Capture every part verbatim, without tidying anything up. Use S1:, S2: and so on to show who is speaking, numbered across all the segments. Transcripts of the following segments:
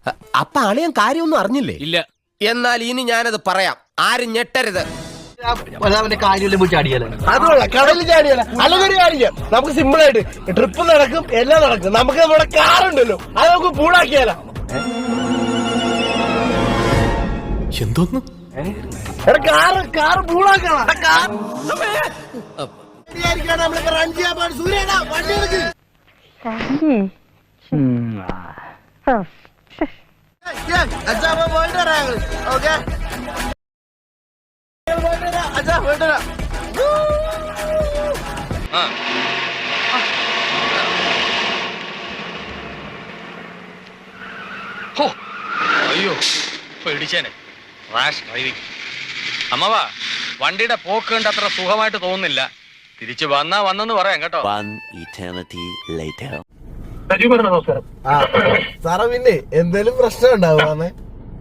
S1: അപ്പൊ അളിയൻ കാര്യമൊന്നും അറിഞ്ഞില്ലേ?
S2: ഇല്ല.
S1: എന്നാൽ ഇനി ഞാനത് പറയാം, ആരും ഞെട്ടരുത്.
S3: കടലിൽ ചാടിയല്ല, അല്ലെങ്കിൽ കാര്യം നമുക്ക് സിമ്പിൾ ആയിട്ട് ട്രിപ്പ് നടക്കും, എല്ലാം നടക്കും. നമുക്ക് നമ്മുടെ കാറുണ്ടല്ലോ, അത് നമുക്ക് പൂളാക്കിയാലോ?
S1: എന്തോന്ന്
S3: കാറ് കാറ് പൂളാക്കണം. നമ്മളിപ്പോ റൺ ചെയ്യാൻ പാടും. സൂര്യേടാ വണ്ടി എടുക്ക്. അച്ഛാ പോയിട്ട് വരാം. ഓക്കെ അച്ഛാ പോയിട്ട് വരാം.
S2: അയ്യോ പേടിച്ചേനെ. Rash driving. അമ്മവാ, വണ്ടിയുടെ പോക്ക് കണ്ട് അത്ര സുഖമായിട്ട് തോന്നുന്നില്ല. തിരിച്ചു വന്നാ വന്നെന്ന് പറയാം കേട്ടോ.
S3: സാറേ പിന്നെ എന്തേലും പ്രശ്നം ഉണ്ടാവുക?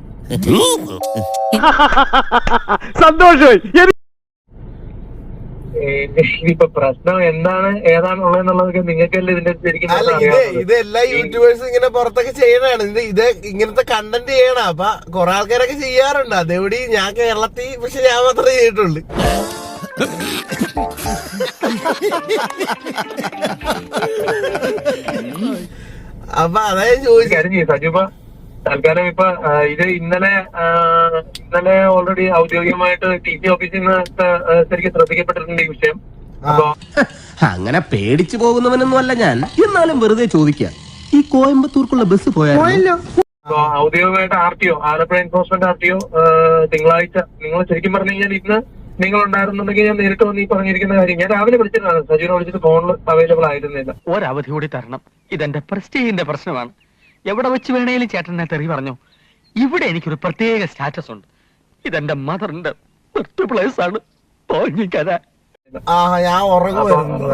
S4: സന്തോഷമായി.
S5: ഇനിയിപ്പോ പ്രശ്നം എന്താണ് ഏതാണുള്ളതെന്നുള്ളതൊക്കെ നിങ്ങൾക്കല്ലേ ഇതിന്റെ ശരിക്കും.
S3: അല്ല ഇത് ഇത് എല്ലാ യൂട്യൂബേഴ്സും ഇങ്ങനെ പുറത്തൊക്കെ ചെയ്യണതാണ്. ഇത് ഇത് ഇങ്ങനത്തെ കണ്ടന്റ് ചെയ്യണം. അപ്പൊ കൊറേ ആൾക്കാരൊക്കെ ചെയ്യാറുണ്ട്. അതെവിടെ ഞാൻ കേരളത്തിൽ, പക്ഷെ ഞാൻ മാത്രമേ ചെയ്തിട്ടുള്ളൂ. അപ്പൊ അതായത് ചോദിച്ചു
S5: സജീബ തൽക്കാലം ഇപ്പൊ ഇത് ഇന്നലെ ഇന്നലെ ഓൾറെഡി ഔദ്യോഗികമായിട്ട് ടി സി ഓഫീസിൽ നിന്ന് ശരിക്കും ശ്രദ്ധിക്കപ്പെട്ടിട്ടുണ്ട് ഈ വിഷയം. അപ്പൊ
S1: അങ്ങനെ പേടിച്ചു പോകുന്നവനൊന്നും അല്ല ഞാൻ. എന്നാലും വെറുതെ ചോദിക്കാം, ഈ കോയമ്പത്തൂർക്കുള്ള ബസ് പോയാലോ?
S5: ഔദ്യോഗികമായിട്ട് R T O Alappuzha enforcement R T O തിങ്കളാഴ്ച, നിങ്ങൾ ശരിക്കും പറഞ്ഞു കഴിഞ്ഞാൽ ഇന്ന് നിങ്ങൾ ഉണ്ടായിരുന്നുണ്ടെങ്കിൽ ഞാൻ നേരിട്ട് വന്ന് ഈ പറഞ്ഞിരിക്കുന്ന കാര്യം ഞാൻ രാവിലെ വിളിച്ചിട്ടാണ്. സജീവനെ വിളിച്ചിട്ട് ഫോണിൽ അവൈലബിൾ ആയിരുന്നില്ല.
S4: ഒരവധി കൂടി തരണം. ഇതെന്റെ പ്രസ്റ്റീജിന്റെ പ്രശ്നമാണ്. എവിടെ വെച്ച് വേണേലും ചേട്ടനെ തെറി പറഞ്ഞു. ഇവിടെ എനിക്കൊരു പ്രത്യേക സ്റ്റാറ്റസ് ഉണ്ട്. ഇതെന്റെ മദറിന്റെ ബർത്ത് പ്ലേസ് ആണ്. തോന്നിക്കഥ
S3: ആ ഞാൻ ഉറങ്ങുമായിരുന്നു.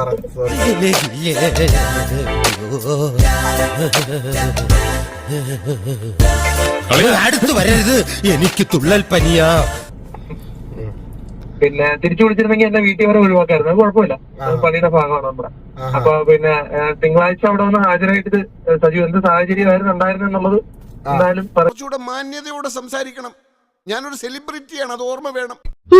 S1: അടുത്ത് വരരുത്, എനിക്ക് തുള്ളൽ പനിയാ.
S5: പിന്നെ തിരിച്ചു വിളിച്ചിരുന്നെങ്കിൽ എന്റെ വീട്ടിൽ വരെ ഒഴിവാക്കായിരുന്നു. അത് കുഴപ്പമില്ല, പണിയുടെ ഭാഗമാണ് നമ്മുടെ. അപ്പൊ പിന്നെ തിങ്കളാഴ്ച അവിടെ വന്ന് ഹാജരായിട്ട് സജീവ് എന്ത് സാഹചര്യമായിരുന്നു ഉണ്ടായിരുന്നു എന്നുള്ളത് എന്തായാലും
S6: കുറച്ചുകൂടെ മാന്യതയോടെ സംസാരിക്കണം. ഞാനൊരു സെലിബ്രിറ്റിയാണ്, അത് ഓർമ്മ വേണം.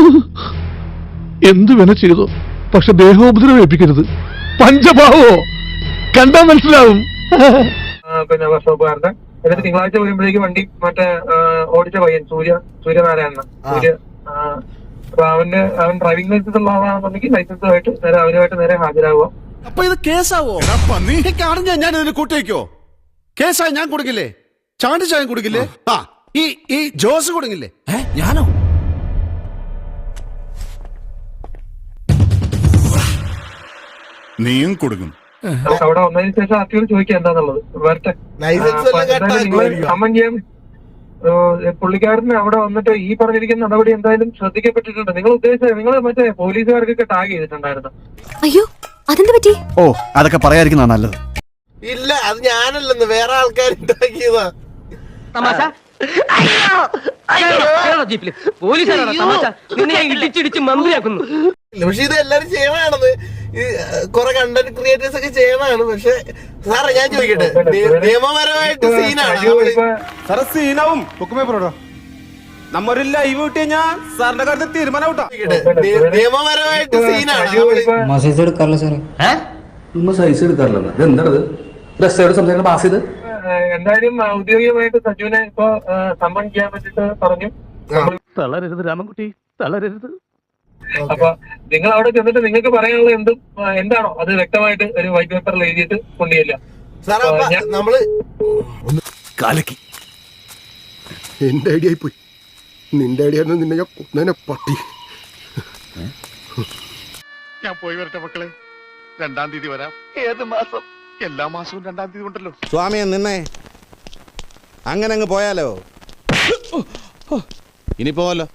S4: എന്ത് വേണ ചെയ്തോ, പക്ഷെ ദേഹോപദ്രവേൽപ്പിക്കരുത്. പഞ്ചഭാവോ കണ്ടാ മനസ്സിലാവും.
S5: പിന്നെ വർഷോപ്പുകാരന്റെ എന്നിട്ട് തിങ്കളാഴ്ച വരുമ്പോഴേക്ക് വണ്ടി മറ്റേ ഓടിച്ച പയ്യൻ സൂര്യ സൂര്യനാരായണൻ സൂര്യ അപ്പൊ അവന്റെ അവൻ ഡ്രൈവിംഗ് ലൈസൻസ് ഉള്ള ആളാണെന്നുണ്ടെങ്കിൽ ലൈസൻസുമായിട്ട് നേരെ അവനുമായിട്ട് നേരെ ഹാജരാകുക.
S6: അപ്പൊ ഇത് കേസാവോ? കാണുന്ന ഞാൻ ഇതിന് കൂട്ടിവെക്കോ? കേസായി ഞാൻ കൊടുക്കില്ലേ? ചാണ്ടി ചായം കൊടുക്കില്ലേ? ആ ഈ ഈ ജോസ് കൊടുക്കില്ലേ? ഞാനോ?
S7: നീയും കൊടുക്കും.
S5: അവിടെ വന്നതിന് ശേഷം ആർട്ടിയോട് ചോദിക്കുക എന്താന്നുള്ളത്. വരട്ടെ, സമ്മൻ ചെയ്യാൻ പുള്ളിക്കാരന് അവിടെ വന്നിട്ട് ഈ പറഞ്ഞിരിക്കുന്ന നടപടി എന്തായാലും ശ്രദ്ധിക്കപ്പെട്ടിട്ടുണ്ട്. നിങ്ങൾ ഉദ്ദേശിച്ച നിങ്ങൾ മറ്റേ പോലീസുകാർക്കൊക്കെ ടാഗ് ചെയ്തിട്ടുണ്ടായിരുന്നു.
S8: അയ്യോ അതെന്താ പറ്റി?
S7: ഓ അതൊക്കെ പറയാതിരിക്കുന്ന നല്ലത്.
S3: ഇല്ല അത് ഞാനല്ലെന്ന് വേറെ ആൾക്കാർ ഉണ്ടാക്കിയതാ. പക്ഷെ ഇത് എല്ലാരും ചെയ്യണാണെന്ന് കൊറേ കണ്ടന്റ് ക്രിയേറ്റേഴ്സ് ഒക്കെ ചെയ്യണതാണ്. പക്ഷെ സാറേ ഞാൻ ചോദിക്കട്ടെ, നിയമപരമായിട്ട് സീനാണ്
S9: സാറേ? സീനാവും നമ്മൊരു ലൈവ് വിട്ട് കഴിഞ്ഞാൽ സാറിന്റെ കാര്യത്തിൽ തീരുമാനം ഔട്ടാ.
S3: നിയമപരമായിട്ട് സീനാണ്.
S9: സൈസ് എടുക്കാറില്ല സാറേ. സൈസ് എടുക്കാറില്ല. എന്താണത്? സംസാരിക്കുന്ന പാസ് ചെയ്ത്
S5: എന്തായാലും ഔദ്യോഗികമായിട്ട് സജുവിനെ ഇപ്പൊ സമ്മൺ ചെയ്യാൻ വേണ്ടിട്ട് പറഞ്ഞു.
S4: തളരരുത് രാമൻകുട്ടി, തളരരുത്.
S5: അപ്പൊ നിങ്ങൾ അവിടെ ചെന്നിട്ട് നിങ്ങൾക്ക് പറയാനുള്ള എന്തും എന്താണോ അത് വ്യക്തമായിട്ട് ഒരു വൈറ്റ് പേപ്പറിൽ എഴുതിയിട്ട് കൊണ്ടുചെല്ലുക.
S3: നമ്മള്
S7: കാലക്കി എന്റെ ഐഡിയ ആയി പോയി. നിന്റെ ഐഡിയ നിന്നെ ഞാൻ കൊന്നേനെ പട്ടി.
S6: ഞാൻ പോയി വരട്ടെ മക്കളെ. രണ്ടാം തീയതി വരാം. ഏത് മാസം? എല്ലാ മാസവും രണ്ടാം തീയതി ഉണ്ടല്ലോ.
S9: സ്വാമിയെ നിന്നേ, അങ്ങനെ അങ്ങ് പോയാലോ? ഇനി പോവല്ലോ.